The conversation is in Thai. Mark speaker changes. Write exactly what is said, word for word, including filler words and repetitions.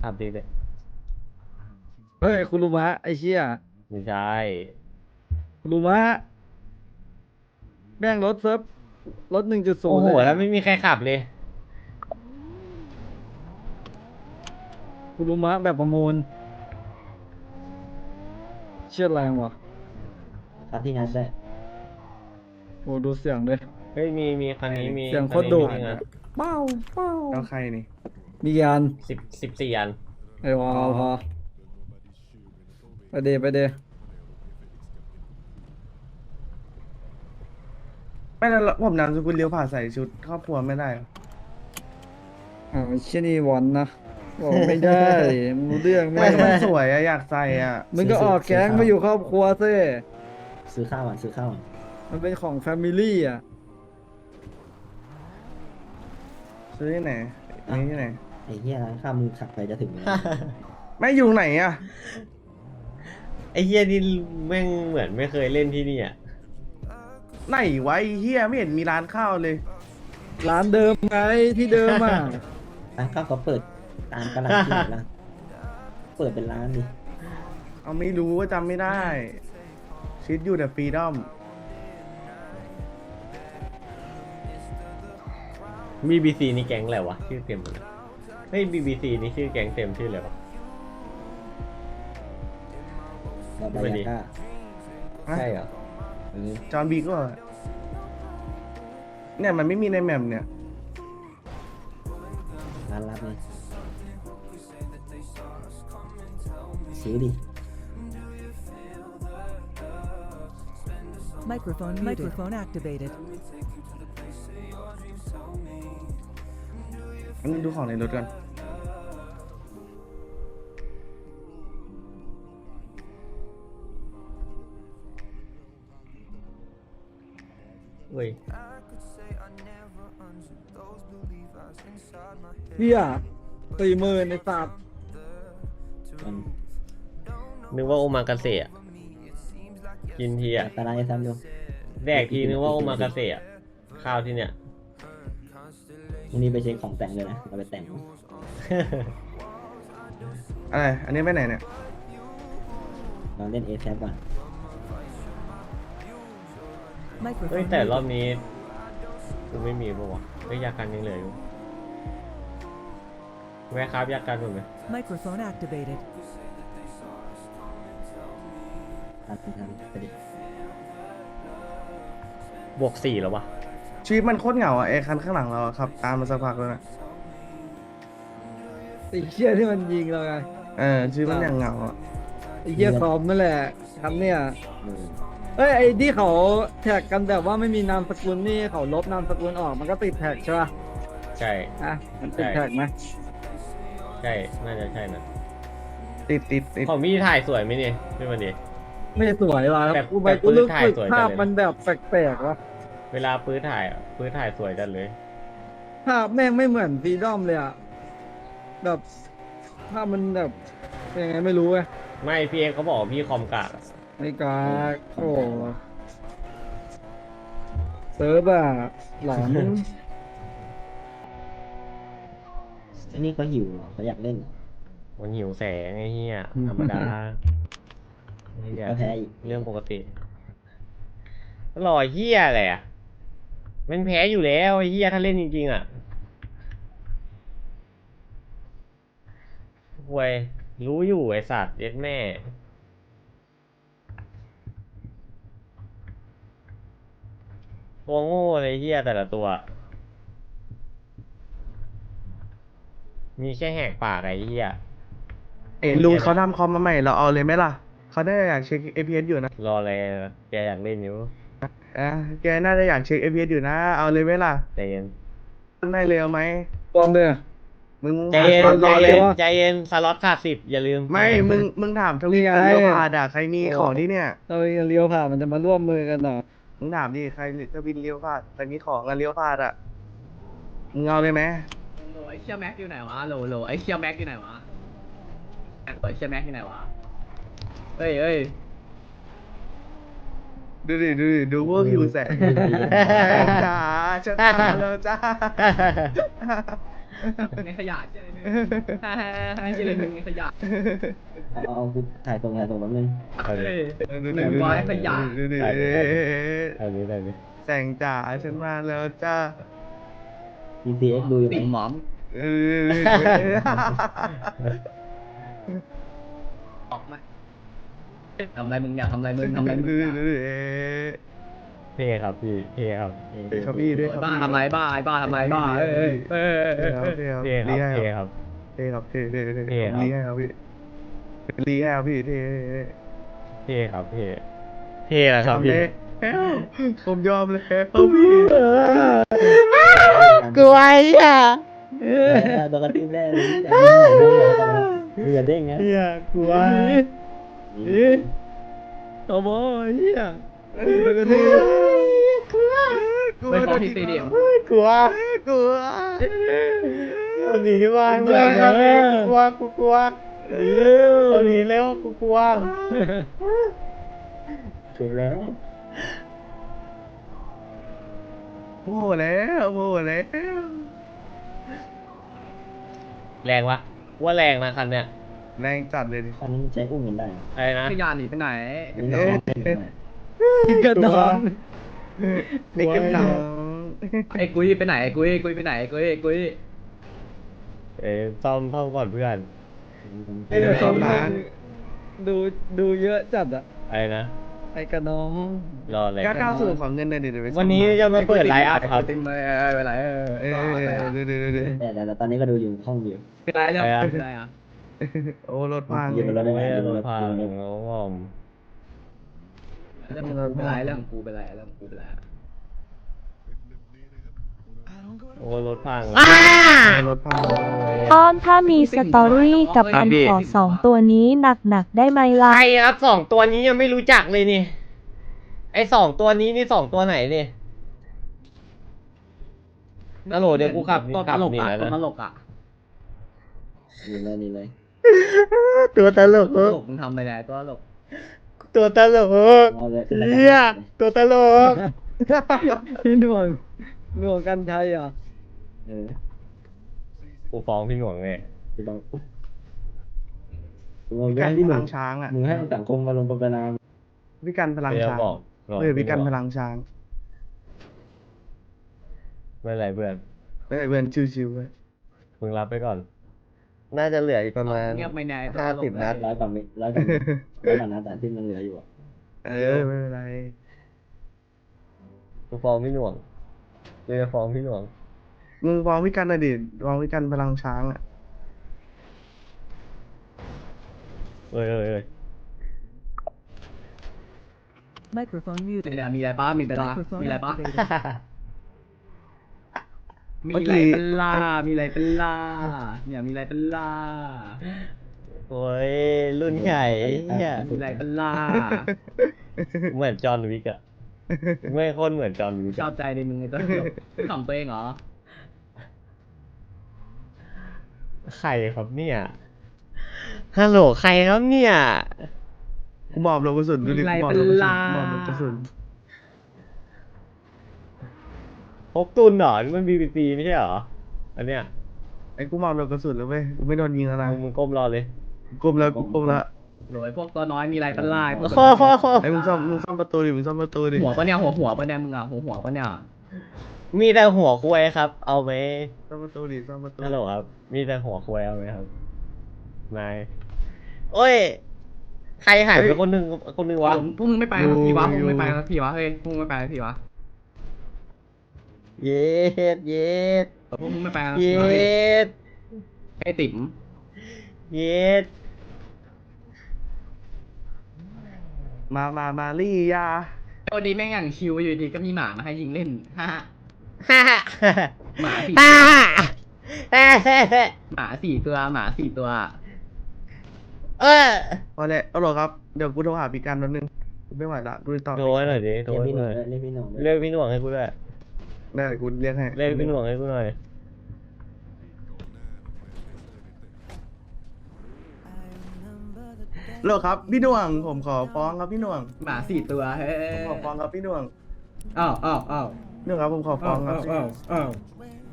Speaker 1: ขับดีเลย
Speaker 2: เฮ้ยคุรุมะไอ้เชี่ย
Speaker 1: ไม่ใช่
Speaker 2: คุรุมะแม่งรถเซิร์ฟรถหนึ่งจุดศู
Speaker 1: โอ้โห
Speaker 2: นย์เลย
Speaker 1: แล้วไม่มีใครขับเลย
Speaker 2: คุรุมะแบบประมูลเชี่ยแรงว่ะ
Speaker 3: ครับที่งั้นได้
Speaker 2: โอ้ดูเสียงเลย
Speaker 1: เฮ้ยมีมีคันนี้มี
Speaker 2: เสียงโค
Speaker 1: คันนี้
Speaker 2: ตรดุ
Speaker 1: มีที่งาน
Speaker 2: เป้าเป้า
Speaker 4: แล้วใครนี่
Speaker 2: มียาน
Speaker 1: สิบสิบสี่อัน
Speaker 2: ไอ้วอลพอไปเดไปเด
Speaker 4: ไม่แล้วผมนามสกุลเลี้ยวผ่าใส่ชุดครอบครัวไม่ได้เหรอ
Speaker 2: อ่าวเชี่ยนี่วอนนะบอกไม่ได้มึงรู้เรื่องไหม
Speaker 4: ไม่มันสวยอะอยากใส่อะ
Speaker 2: มึงก็ออกแก๊งมาอยู่ครอบครัวซิ
Speaker 3: ซื้อข้าวอ่ะซื้อข้าวอ่ะ
Speaker 2: มันเป็นของแฟมิลี่อ่ะ
Speaker 4: ซื้อที่ไหนนี่ที่ไหน
Speaker 3: ไอ้เหี้ยร้านข้าวมึงขับไปจะถึงไหม
Speaker 4: ไม่อยู่ไหนอะ
Speaker 1: ไอ้เฮียนี่แม่งเหมือนไม่เคยเล่นที่นี่อ่ะ
Speaker 4: ไหนวะไอ้เฮียไม่เห็นมีร้านข้าวเลย
Speaker 2: ร้านเดิมไงที่เดิมอ่ะ
Speaker 3: ร้านข้าวเขาเปิดตามกำลังที่ไหนล่ะเปิดเป็นร้านดิ
Speaker 4: เอาไม่รู้ว่าจำไม่ได้ชีวิตอยู่แต่ฟรีดอม
Speaker 1: บีบีซีนี่แก๊งอะไรวะชื่อเต็มเลยเฮ้ยบีบีซีนี่ชื่อแก๊งเต็มชื่ออะไรวะ
Speaker 3: เราบายาก้า
Speaker 1: ใช่เหรอ
Speaker 3: เออ
Speaker 4: จอห์นบีก็เนี่ยมันไม่มีในแมปเนี่ย
Speaker 3: ร้านลับไงซื้อดิ
Speaker 5: Microphone muted. Microphone activated.
Speaker 4: อันนี้ดูของในรถกัน
Speaker 1: เว้ย
Speaker 2: เฮียสี่หมื่นในสัตว์
Speaker 3: มัน
Speaker 1: นึกว่าโอมากาเสะกินทีอ่ะ
Speaker 3: ตารางไอ้ซ้ำดู
Speaker 1: แดกทีนึกว่าโอมากาเสะข้าวที่เนี่ย
Speaker 3: พรุ่งนี้ไปเช็คของแต่งเลยนะเอาไปแต่ง
Speaker 4: อะไร อันนี้ไปไหนเนี่ย
Speaker 3: ลองเล่นเอแซก่อน
Speaker 1: เฮ้ย
Speaker 5: Microphone
Speaker 1: แต่รอบ
Speaker 5: muted.
Speaker 1: นี้กูไม่มีปะวะเฮ้ยยากันยังเหลืออยู่แวะครับยากันหมดไหม
Speaker 5: Microphone activated.
Speaker 3: ทำทำไปดิ
Speaker 1: บวกสี่แล้ววะ
Speaker 4: ชีวิตมันโคตรเหงาอะไอ้คันข้างหลังเราอะครับ ตามมาสักพักแล้วนะ
Speaker 2: ไอ้เชี่ยที่มันยิงเราไง
Speaker 4: เออชีวิตมันอย่างเหงาอะ
Speaker 2: ไอ้เชี่ยซ้อมนั่นแหละคำเนี่ย
Speaker 3: เออ
Speaker 2: เอ้ยไอ้ที่เขาแท็กกันแบบว่าไม่มีนามสกุลนี่เขาลบนามสกุลออกมันก็ติดแท็กใช่ป่ะ
Speaker 1: ใช่
Speaker 2: อ่ะมันติด
Speaker 1: ใช่
Speaker 2: แท็กไหม
Speaker 1: ใช่ น่าจะใช่นะ
Speaker 4: ติดติดติด
Speaker 1: ของพี่ถ่ายสวยไหมเนี่ยพี่มันดี
Speaker 2: ไม่สวยว่ะ
Speaker 1: แบบ
Speaker 2: กูไป
Speaker 1: แบบ
Speaker 2: กูรู้
Speaker 1: ปืนถ่าย
Speaker 2: สึก
Speaker 1: สวยจัง
Speaker 2: ภาพ
Speaker 1: เลย
Speaker 2: มันแบบแปลกๆว่ะ
Speaker 1: เวลาปื้ดถ่ายอ่ะปื้ดถ่ายสวยจัดเลย
Speaker 2: ภาพแม่งไม่เหมือนฟรีดอมเลยอ่ะแบบภาพมันแบบยังไงไม่รู้เว้ย
Speaker 1: ไม่พี่เอกเขาบอกว่าพี่คอมกากอะ
Speaker 2: ไอ้กาโอ้เซิร์ฟอะหลอน
Speaker 3: อันนี้ก็หิวเหรอเขาอยากเล่นเหรอ
Speaker 1: มันหิวแสงไอ้เหี้ยธรรมดาไอ้เหี้ย
Speaker 3: ก็แพ้อีก
Speaker 1: เรื่องปกติรอเหี้ยอะไรอ่ะมันแพ้อยู่แล้วไอ้เหี้ยถ้าเล่นจริงๆอ่ะห่วยรู้อยู่ไอ้สัตว์เย็ดแม่ตัวโง่เลยเหี้ยแต่ละตัว มีแค่แหกปากไอ้เหี้ย
Speaker 4: เอ้ยลุงเขาทำคอมมาใหม่เราเอาเลยไหมล่ะ เขาได้อยากเช็ค เอ พี เอส อยู่นะ
Speaker 1: รออะไรแกอยากเล่นอยู่
Speaker 4: อ่ะแกน่าจะอยากเช็ค เอ พี เอส อยู่นะ เอาเลยไหมล่ะ
Speaker 1: ใจเย็น
Speaker 4: ได้เลยเอาไหม
Speaker 2: ปลอมเด้อ
Speaker 4: มึง
Speaker 1: ใจเย็น
Speaker 4: ถาม
Speaker 1: ใจ
Speaker 4: เราเล
Speaker 1: เย็
Speaker 4: ย
Speaker 1: น
Speaker 4: ว่า
Speaker 1: ใจเย็นสล็อตขาดสิบอย่าลืม
Speaker 4: ไม่ มึง มึงถามทวี
Speaker 2: นี่ไง
Speaker 4: เลี้ยวผ่านอ่ะใครมีของที่เนี่ย
Speaker 2: เราเลี้ยวผ่านมันจะมาร่วมมือกันเหรอ
Speaker 4: มึงถามดิ ใครจะวินเลี้ยวผ่านใครมีของกันเลี้ยวผ่านอ่ะ มึงเอาเลยไหม
Speaker 6: โหลไอ้เชี่ยแม็กอยู่ไหนวะโหลโหลไอ้เชี่ยแม็กอยู่ไหนวะแม็กไอ้เชี่ยแม็กอยู่ไหนวะเฮ้ยเฮ้ย
Speaker 4: ดูดิ ดูดิ ดูพวกหิวแสงจ้าจะตายแล้วจ้า
Speaker 6: ในขยะเจอเลยให้เจอเลยมึงในขยะ
Speaker 3: เอาเอากูถ่ายตรงถ่ายตรงแป๊บนึง
Speaker 1: เอาดิ
Speaker 6: หนึ่งร้อยขยะ
Speaker 1: เอาดิเอาดิ
Speaker 4: แสงจ๋าฉันมาแล้วจ้า
Speaker 3: พี ซี เอ็กซ์ ดูอยู่ไห
Speaker 6: ติ่งห
Speaker 3: ม
Speaker 6: มอม
Speaker 4: เออ
Speaker 6: ออกมาทำอะไรมึงเนี่ยทำอะไรมึงทำอะไรมึงเนี่ย
Speaker 1: เท่ครับพี่เท่ครับ
Speaker 4: เขาพี่ด้วยครับ
Speaker 6: บ้าทำอะไรบ้าไอ้บ้าทำอะไรบ้าเอ้ยเอ้ยเอ้ย
Speaker 4: เท่
Speaker 6: เอ้ย
Speaker 4: ครับเท่
Speaker 1: เท่
Speaker 4: ค
Speaker 1: ค
Speaker 4: รั
Speaker 1: รั
Speaker 4: บบ
Speaker 1: เท่ครับ
Speaker 4: เท่ครับเท่เท่เท่
Speaker 1: เท่ครับ
Speaker 4: ลีให้ครับพี่ลีให้ครับพี่เท่
Speaker 1: เท่ครับเท่เท่แล้วครับ
Speaker 4: ทำ
Speaker 1: พี่
Speaker 4: เลยผมยอมเลยครับพี่
Speaker 1: กลัวอ่ะ
Speaker 3: ตัวกระติ้มแรกเลยเรือเด้งนะ
Speaker 1: เฮียกลัวโอ้โหเฮีย
Speaker 6: ไปขอที่สเตเดียม
Speaker 1: กลัว
Speaker 4: กลัว
Speaker 1: เอาหนีมาเมื่อไหร่กลัวกูกลัวเอาหนีแล้วกูกลัว
Speaker 3: ถูกแล้ว
Speaker 4: โมโหแล้วโมโหแล้ว
Speaker 1: แรงวะว่าแรงนะคันเนี้ย
Speaker 4: แรงจัดเลยดิ
Speaker 3: คันนี้ใช้อุ้มกันได้
Speaker 1: อะไรนะ
Speaker 6: ขยะหนีไปไหน
Speaker 3: นี่น้อง
Speaker 2: กินกันนอน
Speaker 4: เด็กกันหนัง
Speaker 6: ไอ้กุ้ยไปไหนไอ้กุ้ยกุ้ยไปไหนไอ้กุ้ยไอ้กุ้ย
Speaker 1: เอ้ยซ่อมซ่อมก่อนเพื่อน
Speaker 2: ไอ้เดี๋ยวเขาดูดูเยอะจัดอะ
Speaker 1: อะไรนะ
Speaker 2: ไอ้กระน้อง
Speaker 1: รออะไร
Speaker 4: ก้าวก้าวสู่ของเงินเลยดิเดี๋ยวไป
Speaker 1: วันนี้จะมาเปิดไลฟ์อัพครับ
Speaker 6: เต็มเลยไปไหนเออ
Speaker 4: เออเดี๋ยวเดี๋ยวเดี๋ยว
Speaker 3: แต่แต่ตอนนี้ก็ดูอยู่ห้องอยู่
Speaker 6: ไปไหนเนี่ยไปไหนอ่ะ
Speaker 4: โอ้รถพัง
Speaker 3: อยู่บนรถได้ไหม
Speaker 1: ไม่
Speaker 3: อยู่บนรถ
Speaker 1: พา
Speaker 3: อยู่บนรถ
Speaker 1: งงง
Speaker 6: เรื่องกูไปไหนเรื่องกูไปไหนเรื่องกูไปไหน
Speaker 1: โอ้รถพัง
Speaker 4: รถพัง
Speaker 7: อ้อนถ้ามีสตอรี่กับอันขอสองตัวนี้หนักๆได้ไหมล่ะ
Speaker 1: ใครครับสองตัวนี้ยังไม่รู้จักเลยนี่ ไอสองตัวนี้นี่สองตัวไหนนี่ฮัลโหลเดี๋ยวกูขับ
Speaker 6: ตัวต
Speaker 1: ขับ
Speaker 6: ลก
Speaker 1: นี่
Speaker 6: อ่ะ
Speaker 1: แล้ว
Speaker 6: ตัวต
Speaker 1: นะ
Speaker 6: ลกอ่ะ
Speaker 3: นี่เลยนี่เลย
Speaker 1: ตัวตลก
Speaker 6: ตัวตลกมึงทำไปไหนตัวตลก
Speaker 1: ตัวตลก
Speaker 3: เอาเลย
Speaker 1: เฮียตัวตลก
Speaker 2: พี่ดวงดวงกันชัยเหรอ่ะ
Speaker 3: เออ
Speaker 1: กูฟ้องพี่หน่วงเนี่ย
Speaker 3: พี่ต้องมึง
Speaker 4: พี่กัน
Speaker 3: ให้พี่
Speaker 4: พ
Speaker 3: ห
Speaker 4: ลั
Speaker 3: นุ่
Speaker 4: ง
Speaker 3: ม
Speaker 4: ช้างอ่ะ
Speaker 3: มึงให้สังคมมาลงประนาม
Speaker 4: พี่กันพลัง
Speaker 1: ไม่ต้อง
Speaker 4: ช้าง
Speaker 1: บอกบอก
Speaker 4: เออพี่กันพลังช้าง
Speaker 1: ไม่เป็นไรเพื่อน
Speaker 4: ไม่เพื่อนชิวๆเว้ย
Speaker 1: มึงรับไปก่อน น่าจะเหลืออีกประมาณ
Speaker 6: เงียบไม่แน่ตัว
Speaker 1: ห้า
Speaker 6: ตล
Speaker 1: สิบ
Speaker 6: ก
Speaker 1: นัด
Speaker 3: ร้อยกว่าเมตรร้อยกว่าเมตรร้อยกว่านัดแต่ที่มันเหลืออยู่อ่ะ
Speaker 4: เออไม่เป็นไร
Speaker 1: กูฟ้องพี่หน่วงเดี๋ยวจะฟ้องพี่หน่วง
Speaker 4: มึงฟ้องพี่กันหน่อยดิฟ้องพี่กันพลังช้างอ่ะ
Speaker 1: เอ้ยเอ้ยเอ้ย
Speaker 5: Microphone muted.
Speaker 6: เนี่ยมีอะไรป้ามีอะไรป้า
Speaker 5: Microphone
Speaker 6: มีอะไรป้า
Speaker 5: activated.
Speaker 6: มีอะไรเป็นล่ามีอะไรเป็นล่าเนี่ยมีอะไรเป็นล่า
Speaker 1: โอ้ยรุ่นใหญ่เฮีย
Speaker 6: มีอะไรเป็นล่า
Speaker 1: เหมือนจอห์นวิกอะไม่โคนเหมือนจอห์นวิก
Speaker 6: ชอ
Speaker 1: อะ
Speaker 6: บใจในมึงไอ้ตัวตลกขำตัวเองเหรอ
Speaker 1: ใครครับเนี่ยฮัลโหลใครครับเนี่ย
Speaker 4: กูมอบลงกระสุนดูดิ
Speaker 6: มีอะไร
Speaker 4: มอบ
Speaker 6: เป็
Speaker 4: ล
Speaker 6: น
Speaker 4: งกระสุน
Speaker 6: ล่าม
Speaker 4: อบลงกระสุน
Speaker 1: พกตุนเหรอนี่มันบีบีซีไม่ใช่เหรออันเนี้ย
Speaker 4: ไอ้กูมอบลงกระสุนแล้วเว้ยกูไม่โดนยิงแล้วนะ
Speaker 1: มึงมึงก้มรอเลย
Speaker 4: ก้มแล้วกูก้มแล้ว
Speaker 6: โหยพวกตัวน้อยมีอะไรเป็นล่าพวก
Speaker 1: ข้อข้อข้อ
Speaker 4: ไอ้มึงซ่อมมึงซ่อมประตูดิมึงซ่อมประตูดิ
Speaker 6: หัวปะเนี่ยหัวหัวปะเนี่ยมึงอ่ะหัวหัวปะเนี่ย
Speaker 1: มีแต่หัวควยครับ เอาไหม
Speaker 4: ซ่อมประตูดิซ่อมประตู
Speaker 1: ฮัลโหลครับ มีแต่หัวควยเอาไหมครับนายโอ้ย ใครหายไปคนหนึ่งคนหนึ่งวะ
Speaker 6: พวกมึงไม่ไปสักทีวะพวกมึงไม่ไปสักทีวะเฮ้ยพวกมึงไม่ไปสักทีวะ
Speaker 1: เย็ดเย็ด
Speaker 6: พวกมึงไม่ไปสักที
Speaker 1: เย็
Speaker 6: วะ
Speaker 1: ด
Speaker 6: ไอ้ติ๋ม
Speaker 1: เย็ด
Speaker 4: มามามาลี่ยา
Speaker 6: วันนี้แม่งอย่างชิวอยู่ดีก็มีหมามาให้ยิงเล่นฮ่า
Speaker 1: ฮ่า
Speaker 6: หมาสี่
Speaker 1: ฮ่าฮ่าฮ่าฮ่า
Speaker 6: หมาสี่ตัวหมาสี่ตัว
Speaker 1: เออ
Speaker 4: พอแล้วเอาหรอครับเดี๋ยวกูโทรหาพี่กันแป๊บนึงกูไม่ไหวละกูจะต่อ
Speaker 1: โทรให้หน่อยดิโทร
Speaker 3: เรียก
Speaker 1: ให้
Speaker 3: พี่
Speaker 1: กู
Speaker 3: ห
Speaker 1: ห
Speaker 3: นุ่
Speaker 1: น่
Speaker 3: ม
Speaker 1: อย
Speaker 3: เรียกพี่หนุ่ม
Speaker 1: เรียกพี่หน่วงให้กูด้วย
Speaker 4: ได้เดี๋ยวกูเรียกให้
Speaker 1: เรียกพี่หน่วงให้กูหน่อย
Speaker 4: โหลครับพี่หน่วงผมขอฟ้องครับพี่หน่วง
Speaker 6: หมาสี่ตัวเฮ้ย
Speaker 4: ผมขอฟ้องครับพี่หน่วง
Speaker 6: อ้าวอ้าวอ้าว
Speaker 4: หน่วงครับผมขอฟ้องครับ
Speaker 6: อ้าวอ้าว